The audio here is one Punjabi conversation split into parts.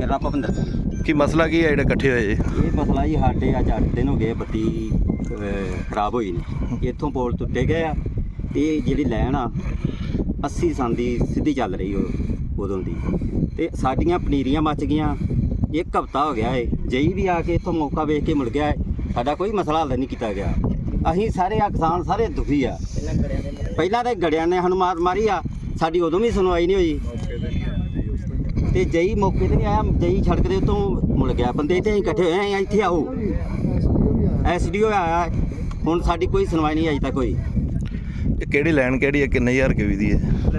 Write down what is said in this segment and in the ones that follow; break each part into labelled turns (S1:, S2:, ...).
S1: ਮੇਰਾ ਨਾਮ ਭਵਿੰਦਰ ਸਿੰਘ।
S2: ਕੀ ਮਸਲਾ ਕੀ ਹੈ ਜਿਹੜੇ ਇਕੱਠੇ ਹੋਏ ਜੀ?
S1: ਇਹ ਮਸਲਾ ਜੀ ਸਾਡੇ ਅੱਜ 8 ਦਿਨ ਹੋ ਗਏ ਬੱਤੀ ਖਰਾਬ ਹੋਈ ਨੇ। ਇੱਥੋਂ ਪੋਲ ਟੁੱਟੇ ਗਏ ਆ ਤੇ ਜਿਹੜੀ ਲਾਈਨ ਆ 80 ਸੰਨ ਦੀ ਸਿੱਧੀ ਚੱਲ ਰਹੀ ਉਦੋਂ ਦੀ, ਤੇ ਸਾਡੀਆਂ ਪਨੀਰੀਆਂ ਮੱਚ ਗਈਆਂ। ਇੱਕ ਹਫ਼ਤਾ ਹੋ ਗਿਆ ਏ, ਜਈ ਵੀ ਆ ਕੇ ਇੱਥੋਂ ਮੌਕਾ ਵੇਖ ਕੇ ਮੁੜ ਗਿਆ ਏ। ਸਾਡਾ ਕੋਈ ਮਸਲਾ ਹੱਲ ਨਹੀਂ ਕੀਤਾ ਗਿਆ। ਅਸੀਂ ਸਾਰੇ ਕਿਸਾਨ ਸਾਰੇ ਦੁਖੀ ਆ। ਪਹਿਲਾਂ ਤਾਂ ਗੜਿਆਂ ਨੇ ਸਾਨੂੰ ਮਾਰੀ ਆ, ਸਾਡੀ ਉਦੋਂ ਵੀ ਸੁਣਵਾਈ ਨਹੀਂ ਹੋਈ। ਤੇ ਜਈ ਮੌਕੇ ਤੇ ਨਹੀਂ ਆਇਆ, ਜਈ ਸੜਕ ਦੇ ਉੱਤੋਂ ਮੁੜ ਗਿਆ। ਬੰਦੇ ਇੱਥੇ ਅਸੀਂ ਇਕੱਠੇ ਹੋਏ ਆ, ਇੱਥੇ ਆਓ। ਐਸਡੀਓ ਆਇਆ, ਹੁਣ ਸਾਡੀ ਕੋਈ ਸੁਣਵਾਈ ਨਹੀਂ ਅਜੇ ਤੱਕ ਹੋਈ।
S2: ਇਹ ਕਿਹੜੀ ਲਾਈਨ ਕਿਹੜੀ ਹੈ, ਕਿੰਨੇ ਹਜ਼ਾਰ ਕੇ ਦੀ ਹੈ?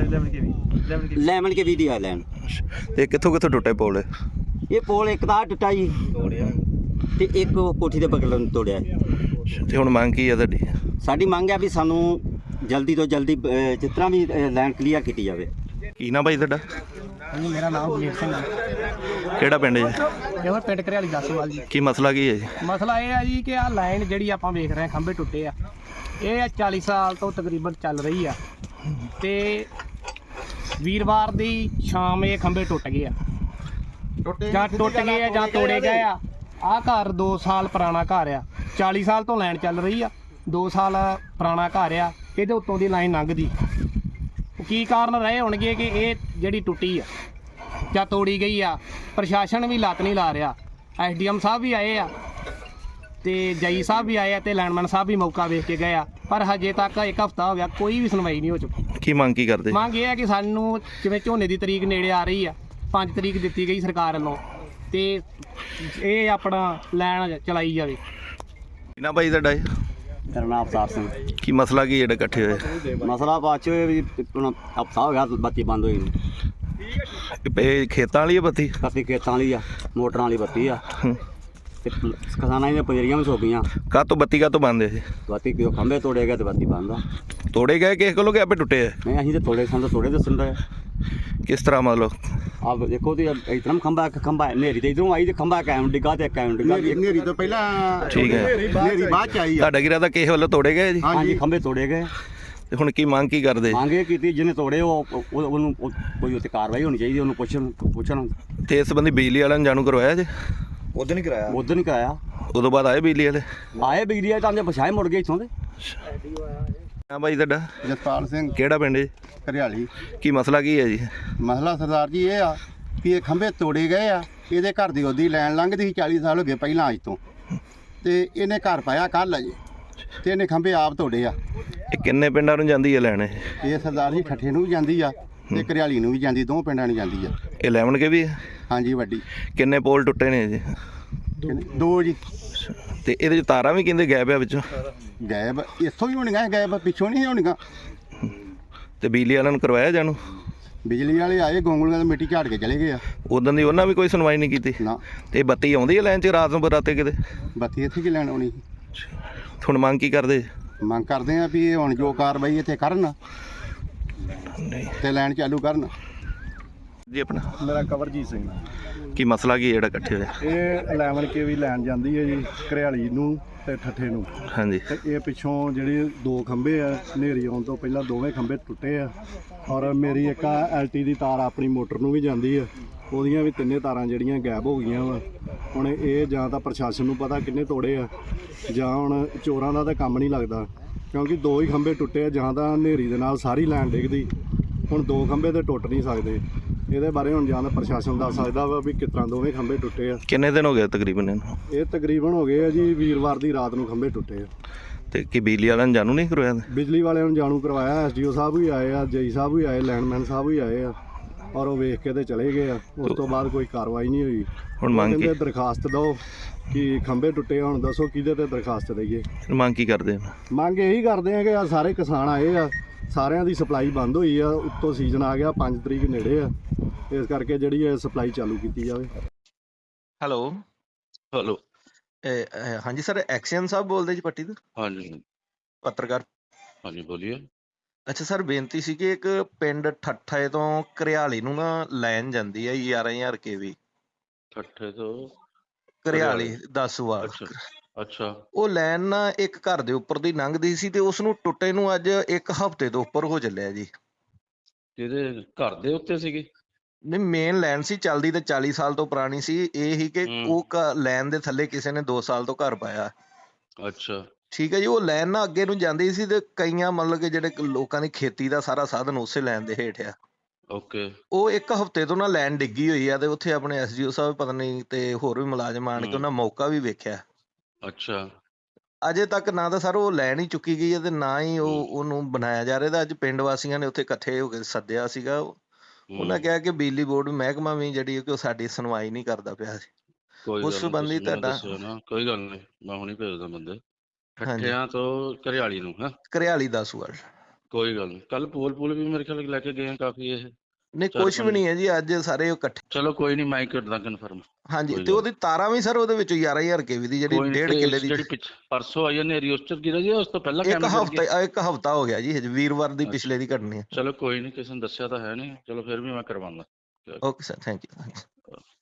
S1: 11 ਕੇ 20 ਦੀ ਆ ਲਾਈਨ।
S2: ਤੇ ਕਿੱਥੋਂ ਕਿੱਥੋਂ ਟੁੱਟੇ ਪੋਲ?
S1: ਇਹ ਪੋਲ ਇੱਕ ਤਾਂ ਟੁੱਟਾ ਜੀ ਤੇ ਇੱਕ ਕੋਠੀ ਦੇ ਬਗਲ ਨੂੰ ਤੋੜਿਆ।
S2: ਤੇ ਹੁਣ ਮੰਗ ਕੀ ਹੈ ਤੁਹਾਡੀ?
S1: ਸਾਡੀ ਮੰਗ ਹੈ ਵੀ ਸਾਨੂੰ ਜਲਦੀ ਤੋਂ ਜਲਦੀ ਜਿਸ ਤਰ੍ਹਾਂ ਵੀ ਲਾਈਨ ਕਲੀਅਰ ਕੀਤੀ ਜਾਵੇ।
S2: ਕੀ ਨਾ ਭਾਈ ਤੁਹਾਡਾ?
S3: ਹਾਂਜੀ, ਮੇਰਾ ਨਾਮ ਬਲਜੀਤ ਸਿੰਘ ਹੈ।
S2: ਕਿਹੜਾ ਪਿੰਡ ਹੈ ਜੀ?
S3: ਇਹ ਪਿੰਡ ਘਰਿਆਲੀ ਦਾਸੋਵਾਲ ਜੀ।
S2: ਕੀ ਮਸਲਾ ਕੀ ਹੈ ਜੀ?
S3: ਮਸਲਾ ਇਹ ਆ ਜੀ ਕਿ ਆਹ ਲਾਈਨ ਜਿਹੜੀ ਆਪਾਂ ਵੇਖ ਰਹੇ ਹਾਂ, ਖੰਭੇ ਟੁੱਟੇ ਆ। ਇਹ 40 ਸਾਲ ਤੋਂ ਤਕਰੀਬਨ ਚੱਲ ਰਹੀ ਆ ਤੇ ਵੀਰਵਾਰ ਦੀ ਸ਼ਾਮ ਇਹ ਖੰਭੇ ਟੁੱਟ ਗਏ ਆ, ਜਾਂ ਟੁੱਟ ਗਏ ਆ ਜਾਂ ਤੋੜੇ ਗਏ ਆ। ਆਹ ਘਰ 2 ਸਾਲ ਪੁਰਾਣਾ ਘਰ ਆ, 40 ਸਾਲ ਤੋਂ ਲਾਈਨ ਚੱਲ ਰਹੀ ਆ। 2 ਸਾਲ ਪੁਰਾਣਾ ਘਰ ਆ, ਇਹਦੇ ਉੱਤੋਂ ਦੀ ਲਾਈਨ ਲੰਘਦੀ। ਕੀ ਕਾਰਨ ਰਹੇ ਹੋਣਗੇ ਕਿ ਇਹ ਜਿਹੜੀ ਟੁੱਟੀ ਆ ਜਾਂ ਤੋੜੀ ਗਈ ਆ? ਪ੍ਰਸ਼ਾਸਨ ਵੀ ਲੱਤ ਨਹੀਂ ਲਾ ਰਿਹਾ। ਐਸਡੀਐਮ ਸਾਹਿਬ ਵੀ ਆਏ ਆ ਤੇ ਜਈ ਸਾਹਿਬ ਵੀ ਆਏ ਆ ਤੇ ਲੈਂਡਮੈਨ ਸਾਹਿਬ ਵੀ ਮੌਕਾ ਵੇਖ ਕੇ ਗਏ ਆ, ਪਰ ਹਜੇ ਤੱਕ 1 ਹਫ਼ਤਾ ਹੋ ਗਿਆ, ਕੋਈ ਵੀ ਸੁਣਵਾਈ ਨਹੀਂ ਹੋ ਚੁੱਕੀ।
S2: ਕੀ ਮੰਗ ਕੀ ਕਰਦੇ?
S3: ਮੰਗ ਇਹ ਹੈ ਕਿ ਸਾਨੂੰ ਜਿਵੇਂ ਝੋਨੇ ਦੀ ਤਰੀਕ ਨੇੜੇ ਆ ਰਹੀ ਆ, 5 ਤਰੀਕ ਦਿੱਤੀ ਗਈ ਸਰਕਾਰ ਵੱਲੋਂ, ਤੇ ਇਹ ਆਪਣਾ ਲਾਈਨ ਚਲਾਈ ਜਾਵੇ।
S2: ਕੀ ਨਾ ਭਾਈ ਤੁਹਾਡਾ?
S1: ਮੇਰਾ ਨਾਮ ਅਵਤਾਰ ਸਿੰਘ।
S2: ਕੀ ਮਸਲਾ ਕੀ ਜਿਹੜੇ ਇਕੱਠੇ ਹੋਏ?
S1: ਮਸਲਾ ਬਾਅਦ 'ਚ ਵੀ ਹੁਣ ਹਫ਼ਤਾ ਹੋ ਗਿਆ ਬੱਤੀ ਬੰਦ ਹੋਈ ਨੂੰ।
S2: ਇਹ ਖੇਤਾਂ ਵਾਲੀ ਹੈ ਬੱਤੀ?
S1: ਬੱਤੀ ਖੇਤਾਂ ਵਾਲੀ ਆ, ਮੋਟਰਾਂ ਵਾਲੀ ਬੱਤੀ ਆ
S2: ਹੂੰ।
S1: ਤੇ ਕਿਸਾਨਾਂ ਦੀਆਂ ਪਨੀਰੀਆਂ ਵੀ ਸੋ ਗਈਆਂ।
S2: ਕਾਹਤੋਂ ਬੱਤੀ ਕਾਹਤੋਂ ਬੰਦ ਹੈ ਜੀ?
S1: ਬੱਤੀ ਕਿਉਂ ਖੰਭੇ ਤੋੜੇ ਗਏ ਤੇ ਬੱਤੀ ਬੰਦ ਆ।
S2: ਤੋੜੇ ਗਏ ਕਿਸੇ ਕੋਲੋਂ ਕਿ ਆਪੇ ਟੁੱਟੇ ਆ?
S1: ਨਹੀਂ, ਅਸੀਂ ਤੇ ਤੋੜੇ ਸਾਨੂੰ ਤੋੜੇ ਦੱਸਣ ਦਾ।
S2: ਕਿਸ ਤਰ੍ਹਾਂ ਮਤਲਬ?
S1: ਆਹ ਦੇਖੋ ਤੇ ਇਤਨਾ ਖੰਭਾ ਹਨੇਰੀ ਤੇ ਇਧਰੋਂ ਆਈ ਤੇ ਖੰਭਾ ਕਾਇਮ ਡਿੱਗਾ ਤੇ ਕਾਇਮ ਡਿੱਗਾ।
S4: ਹਨੇਰੀ ਤੋਂ ਪਹਿਲਾਂ
S2: ਠੀਕ ਹੈ।
S4: ਹਨੇਰੀ ਬਾਅਦ ਚ ਆਈ ਆ।
S2: ਤੁਹਾਡਾ ਕੀ ਰਾਦਾ ਕਿਸੇ ਵੱਲੋਂ ਤੋੜੇ ਗਏ ਜੀ?
S1: ਹਾਂਜੀ, ਖੰਭੇ ਤੋੜੇ ਗਏ।
S2: ਤੇ ਹੁਣ ਕੀ ਮੰਗ ਕੀ ਕਰਦੇ?
S1: ਮੰਗੇ ਕੀਤੀ ਜਿਹਨੇ ਤੋੜੇ ਉਹਨੂੰ ਕੋਈ ਉੱਤੇ ਕਾਰਵਾਈ ਹੋਣੀ ਚਾਹੀਦੀ, ਉਹਨੂੰ ਪੁੱਛਣ।
S2: ਤੇ ਇਸ ਸੰਬੰਧੀ ਬਿਜਲੀ ਵਾਲਿਆਂ ਨੂੰ ਜਾਣੂ ਕਰਵਾਇਆ ਜੀ?
S4: ਉਦੋਂ ਨਹੀਂ ਕਰਾਇਆ।
S1: ਉਦੋਂ ਨਹੀਂ ਕਰਾਇਆ।
S2: ਉਦੋਂ ਬਾਅਦ ਆਏ ਬਿਜਲੀ ਵਾਲੇ?
S1: ਆਏ ਬਿਜਲੀ ਵਾਲੇ ਤਾਂ ਆਂਦੇ ਪਛਾਏ ਮੁੜ ਗਏ ਇੱਥੋਂ ਦੇ।
S2: ਹਾਂ ਭਾਈ ਤੁਹਾਡਾ?
S4: ਜਸਪਾਲ ਸਿੰਘ,
S2: ਕਿਹੜਾ ਪਿੰਡ ਜੀ?
S4: ਘਰਿਆਲੀ।
S2: ਕੀ ਮਸਲਾ ਕੀ ਹੈ ਜੀ?
S4: ਮਸਲਾ ਸਰਦਾਰ ਜੀ ਇਹ ਆ ਕਿ ਇਹ ਖੰਭੇ ਤੋੜੇ ਗਏ ਆ। ਇਹਦੇ ਘਰ ਦੀ ਉਹਦੀ ਲੈਣ ਲੰਘਦੀ ਸੀ 40 ਸਾਲ ਹੋ ਗਏ ਪਹਿਲਾਂ ਅੱਜ ਤੋਂ, ਤੇ ਇਹਨੇ ਘਰ ਪਾਇਆ ਕੱਲ੍ਹ ਅਜੇ, ਤੇ ਇਹਨੇ ਖੰਭੇ ਆਪ ਤੋੜੇ ਆ।
S2: ਇਹ ਕਿੰਨੇ ਪਿੰਡਾਂ ਨੂੰ ਜਾਂਦੀ ਹੈ ਲੈਣ ਇਹ?
S4: ਇਹ ਸਰਦਾਰ ਜੀ ਠੱਠੇ ਨੂੰ ਵੀ ਜਾਂਦੀ ਆ ਤੇ ਘਰਿਆਲੀ ਨੂੰ ਵੀ ਜਾਂਦੀ, 2 ਪਿੰਡਾਂ ਨੂੰ ਜਾਂਦੀ ਆ।
S2: ਇਹ 11 ਕੇ ਵੀ ਹੈ?
S4: ਹਾਂਜੀ, ਵੱਡੀ।
S2: ਕਿੰਨੇ ਪੋਲ ਟੁੱਟੇ ਨੇ ਜੀ?
S4: 2 ਜੀ।
S2: ਤੇ ਇਹਦੇ ਚ ਤਾਰਾਂ ਵੀ ਕਹਿੰਦੇ ਗਾਇਬ ਆ ਵਿੱਚੋਂ?
S4: ਗਾਇਬ ਇੱਥੋਂ ਹੀ ਹੋਣੀਆਂ, ਗਾਇਬ ਪਿੱਛੋਂ ਨਹੀਂ ਹੋਣੀਆਂ।
S2: ਤੇ ਬਿਜਲੀ ਵਾਲਿਆਂ ਨੂੰ ਕਰਵਾਇਆ ਜਾਣੂ?
S4: ਬਿਜਲੀ ਵਾਲੇ ਆਏ, ਗੋਂਗਲੂਆਂ ਦੀ ਮਿੱਟੀ ਝਾੜ ਕੇ ਚਲੇ ਗਏ ਆ।
S2: ਉਦੋਂ ਦੀ ਉਹਨਾਂ ਵੀ ਕੋਈ ਸੁਣਵਾਈ ਨਹੀਂ ਕੀਤੀ?
S4: ਨਾ।
S2: ਤੇ ਬੱਤੀ ਆਉਂਦੀ ਹੈ ਲੈਣ ਚ ਰਾਤ ਨੂੰ ਬਰਾਤੇ ਕਿਤੇ?
S4: ਬੱਤੀ ਇੱਥੇ ਕੀ ਲੈਣ ਆਉਣੀ?
S2: ਹੁਣ ਮੰਗ ਕੀ ਕਰਦੇ?
S4: ਮੰਗ ਕਰਦੇ ਆ ਵੀ ਇਹ ਹੁਣ ਜੋ ਕਾਰਵਾਈ ਇੱਥੇ ਕਰਨ
S2: ਨਹੀਂ
S4: ਤੇ ਲੈਣ ਚਾਲੂ ਕਰਨ।
S2: ਜੀ ਆਪਣਾ?
S5: ਮੇਰਾ ਕਵਰਜੀਤ ਸਿੰਘ।
S2: ਕੀ ਮਸਲਾ ਕੀ ਜਿਹੜਾ ਇਕੱਠੇ ਹੋਇਆ?
S5: ਇਹ 11 ਕੇ ਵੀ ਲੈਣ ਜਾਂਦੀ ਹੈ ਜੀ, ਘਰਿਆਲੀ ਨੂੰ ਤੇ ਠੱਠੇ ਨੂੰ।
S2: ਹਾਂਜੀ।
S5: ਤੇ ਇਹ ਪਿੱਛੋਂ ਜਿਹੜੇ 2 ਖੰਭੇ ਆ, ਹਨੇਰੀ ਆਉਣ ਤੋਂ ਪਹਿਲਾਂ ਦੋਵੇਂ ਖੰਭੇ ਟੁੱਟੇ ਆ। ਔਰ ਮੇਰੀ ਇੱਕ ਐਲਟੀ ਦੀ ਤਾਰ ਆਪਣੀ ਮੋਟਰ ਨੂੰ ਵੀ ਜਾਂਦੀ ਆ, ਉਹਦੀਆਂ ਵੀ 3 ਤਾਰਾਂ ਜਿਹੜੀਆਂ ਗਾਇਬ ਹੋ ਗਈਆਂ ਵਾ। ਹੁਣ ਇਹ ਜਾਂ ਤਾਂ ਪ੍ਰਸ਼ਾਸਨ ਨੂੰ ਪਤਾ ਕਿੰਨੇ ਤੋੜੇ ਆ, ਜਾਂ ਹੁਣ ਚੋਰਾਂ ਦਾ ਤਾਂ ਕੰਮ ਨਹੀਂ ਲੱਗਦਾ, ਕਿਉਂਕਿ 2 ਹੀ ਖੰਭੇ ਟੁੱਟੇ ਆ। ਜਾਂ ਤਾਂ ਹਨੇਰੀ ਦੇ ਨਾਲ ਸਾਰੀ ਲਾਈਨ ਡਿੱਗਦੀ, ਹੁਣ 2 ਖੰਭੇ ਤੇ ਟੁੱਟ ਨਹੀਂ ਸਕਦੇ। ਇਹਦੇ ਬਾਰੇ ਹੁਣ ਜਾਂ ਤਾਂ ਪ੍ਰਸ਼ਾਸਨ ਦੱਸ ਸਕਦਾ ਵਾ ਵੀ ਕਿਸ ਤਰ੍ਹਾਂ ਦੋਵੇਂ ਖੰਭੇ ਟੁੱਟੇ ਆ।
S2: ਕਿੰਨੇ ਦਿਨ ਹੋ ਗਏ ਤਕਰੀਬਨ ਇਹਨੂੰ?
S5: ਇਹ ਤਕਰੀਬਨ ਹੋ ਗਏ ਆ ਜੀ, ਵੀਰਵਾਰ ਦੀ ਰਾਤ ਨੂੰ ਖੰਭੇ ਟੁੱਟੇ ਆ।
S2: ਤੇ ਕੀ ਬਿਜਲੀ ਵਾਲਿਆਂ ਨੂੰ ਜਾਣੂ ਨਹੀਂ ਕਰਵਾਇਆ?
S5: ਬਿਜਲੀ ਵਾਲਿਆਂ ਨੂੰ ਜਾਣੂ ਕਰਵਾਇਆ, ਐਸਡੀਓ ਸਾਹਿਬ ਵੀ ਆਏ ਆ, ਜਈ ਸਾਹਿਬ ਵੀ ਆਏ, ਲੈਂਡਮੈਨ ਸਾਹਿਬ ਵੀ ਆਏ ਆ, ਔਰ ਉਹ ਵੇਖ ਕੇ ਤੇ ਚਲੇ ਗਏ ਆ। ਉਸ ਤੋਂ ਬਾਅਦ ਕੋਈ ਕਾਰਵਾਈ ਨਹੀਂ ਹੋਈ।
S2: ਹੁਣ ਮੰਗ ਕੀ?
S5: ਦਰਖਾਸਤ ਦਿਓ ਕਿ ਖੰਭੇ ਟੁੱਟੇ, ਹੁਣ ਦੱਸੋ ਕਿਹਦੇ ਤੇ ਦਰਖਾਸਤ ਦਈਏ?
S2: ਮੰਗ ਕੀ ਕਰਦੇ?
S5: ਮੰਗ ਇਹੀ ਕਰਦੇ ਆ ਕਿ ਆ ਸਾਰੇ ਕਿਸਾਨ ਆਏ ਆ, ਸਾਰਿਆਂ ਦੀ ਸਪਲਾਈ ਬੰਦ ਹੋਈ ਆ, ਉੱਤੋਂ ਸੀਜ਼ਨ ਆ ਗਿਆ, 5 ਤਰੀਕ ਨੇੜੇ ਆ, ਇਸ ਕਰਕੇ ਜਿਹੜੀ ਇਹ ਸਪਲਾਈ ਚਾਲੂ ਕੀਤੀ ਜਾਵੇ।
S2: ਹੈਲੋ ਹਾਂਜੀ ਸਰ, ਐਕਸ਼ਨ ਸਾਹਿਬ ਬੋਲਦੇ ਜੀ ਪੱਟੀ ਤੋਂ?
S6: ਹਾਂਜੀ
S2: ਪੱਤਰਕਾਰ।
S6: ਹਾਂਜੀ, ਬੋਲੀਏ।
S2: ਅੱਛਾ ਸਰ, ਬੇਨਤੀ ਸੀ ਕਿ ਇੱਕ ਪਿੰਡ ਠੱਠੇ ਤੋਂ ਘਰਿਆਲੀ ਨੂੰ ਨਾ ਲਾਈਨ ਜਾਂਦੀ ਹੈ 11,000 KV।
S6: ਠੱਠੇ ਤੋਂ
S2: ਘਰਿਆਲੀ ਦਾਸੂਵਾਲ।
S6: ਅੱਛਾ।
S2: ਉਹ ਲਾਈਨ ਨਾ ਇੱਕ ਘਰ ਦੇ ਉੱਪਰ ਦੀ ਲੰਘਦੀ ਸੀ ਤੇ ਉਸ ਨੂੰ ਟੁੱਟੇ ਨੂੰ ਅੱਜ 1 ਹਫ਼ਤੇ ਤੋਂ ਉੱਪਰ ਹੋ ਚੱਲਿਆ ਜੀ।
S6: ਜਿਹਦੇ ਘਰ ਦੇ ਉੱਤੇ ਸੀਗੀ?
S2: ਨਹੀਂ ਮੇਨ ਲੈਣ ਸੀ, ਚੱਲਦੀ ਤੇ 40 ਸਾਲ ਤੋਂ ਪੁਰਾਣੀ ਸੀ। ਇਹ ਹੀ ਕਿ
S6: ਹੂੰ।
S2: ਉਹ ਲੈਣ ਦੇ ਥੱਲੇ ਕਿਸੇ ਨੇ 2 ਸਾਲ ਤੋਂ ਘਰ ਪਾਇਆ।
S6: ਅੱਛਾ
S2: ਠੀਕ ਹੈ ਜੀ। ਉਹ ਲੈਣ ਨਾ ਅੱਗੇ ਨੂੰ ਜਾਂਦੀ ਸੀ ਤੇ ਕਈਆਂ ਮਤਲਬ ਕਿ ਜਿਹੜੇ ਲੋਕਾਂ ਦੀ ਖੇਤੀ ਦਾ ਸਾਰਾ ਸਾਧਨ ਉਸੇ ਲੈਣ ਦੇ ਹੇਠ ਆ।
S6: ਓਕੇ
S2: ਉਹ 1 ਹਫ਼ਤੇ ਤੋਂ ਨਾ ਲੈਣ ਡਿੱਗੀ ਹੋਈ ਆ ਤੇ ਉੱਥੇ ਆਪਣੇ ਐਸਡੀਓ ਸਾਹਿਬ ਪਤਾ ਨਹੀਂ ਤੇ ਹੋਰ ਵੀ ਮੁਲਾਜ਼ਮ ਆਣ ਕੇ ਉਹਨਾਂ ਮੌਕਾ ਵੀ ਵੇਖਿਆ।
S6: ਅੱਛਾ
S2: ਅਜੇ ਤੱਕ ਨਾ ਤਾਂ ਸਰ ਉਹ ਲੈਣ ਹੀ ਚੁੱਕੀ ਗਈ ਹੈ ਤੇ ਨਾ ਹੀ ਉਹਨੂੰ ਬਣਾਇਆ ਜਾ ਰਿਹਾ। ਤਾਂ ਅੱਜ ਪਿੰਡ ਵਾਸੀਆਂ ਨੇ ਉੱਥੇ ਇਕੱਠੇ ਹੋ ਕੇ ਸੱਦਿਆ ਸੀਗਾ। ਉਹਨਾਂ ਕਿਹਾ ਕਿ ਬਿਜਲੀ ਬੋਰਡ ਮਹਿਕਮਾ ਵੀ ਜਿਹੜੀ ਕਿ ਉਹ ਸਾਡੀ ਸੁਣਵਾਈ ਨਹੀਂ ਕਰਦਾ ਪਿਆ ਸੀ।
S6: ਕੋਈ
S2: ਉਸ
S6: ਗੱਲ ਨਹੀਂ,
S2: ਸੰਬੰਧੀ
S6: ਤੁਸੀਂ ਮੈਨੂੰ
S2: ਤੁਹਾਡਾ
S6: ਦੱਸਿਓ ਨਾ, ਕੋਈ ਗੱਲ ਨਹੀਂ, ਮੈਂ ਹੁਣੀ ਭੇਜਦਾ ਬੰਦੇ
S2: ਹਾਂਜੀ
S6: ਠੱਠਿਆਂ ਤੋਂ ਘਰਿਆਲੀ ਨੂੰ। ਹਾਂ
S2: ਘਰਿਆਲੀ 10 ਵਾਰ।
S6: ਕੋਈ ਗੱਲ ਨਹੀਂ, ਕੱਲ ਪੋਲ ਵੀ ਮੇਰੇ ਖਿਆਲ ਲੈ ਕੇ ਗਏ ਆ ਕਾਫੀ ਇਹ
S2: ਨਹੀਂ ਕੁਛ ਵੀ ਨਹੀਂ ਹੈ ਜੀ, ਅੱਜ ਸਾਰੇ ਉਹ ਇਕੱਠੇ।
S6: ਚਲੋ ਕੋਈ ਨਹੀਂ, ਮੈਂ ਕਰਦਾ ਕਨਫਰਮ।
S2: ਹਾਂਜੀ
S6: ਕੋਈ
S2: ਤੇ
S6: ਗੱਲ
S2: ਉਹਦੀ ਤਾਰਾਂ ਵੀ ਸਰ ਉਹਦੇ ਵਿੱਚੋਂ 11,000 ਕੇਵੀ ਦੀ ਜਿਹੜੀ
S6: ਕੋਈ ਨੀ,
S2: 1.5
S6: ਤੇ
S2: ਕਿੱਲੇ ਦੀ
S6: ਜਿਹੜੀ ਪਰਸੋਂ ਆਈ ਹੈ ਨੇਰੀ ਉਸ ਚ ਗਿਰਿਆ ਜੀ, ਉਸ ਤੋਂ ਪਹਿਲਾਂ
S2: ਇੱਕ
S6: ਕੈਮਰਾ ਗਿਰ ਗਿਆ?
S2: ਇੱਕ ਹਫ਼ਤਾ ਹੋ ਗਿਆ ਜੀ, ਹਜੇ ਵੀਰਵਾਰ ਦੀ ਪਿਛਲੇ ਦੀ ਘਟਨਾ ਹੈ।
S6: ਚਲੋ ਕੋਈ ਨਹੀਂ, ਕਿਸੇ ਨੇ ਦੱਸਿਆ ਤਾਂ ਹੈ ਨਹੀਂ, ਚਲੋ ਫਿਰ ਵੀ ਮੈਂ ਕਰਵਾਉਂਦਾ।
S2: Okay sir, thank you.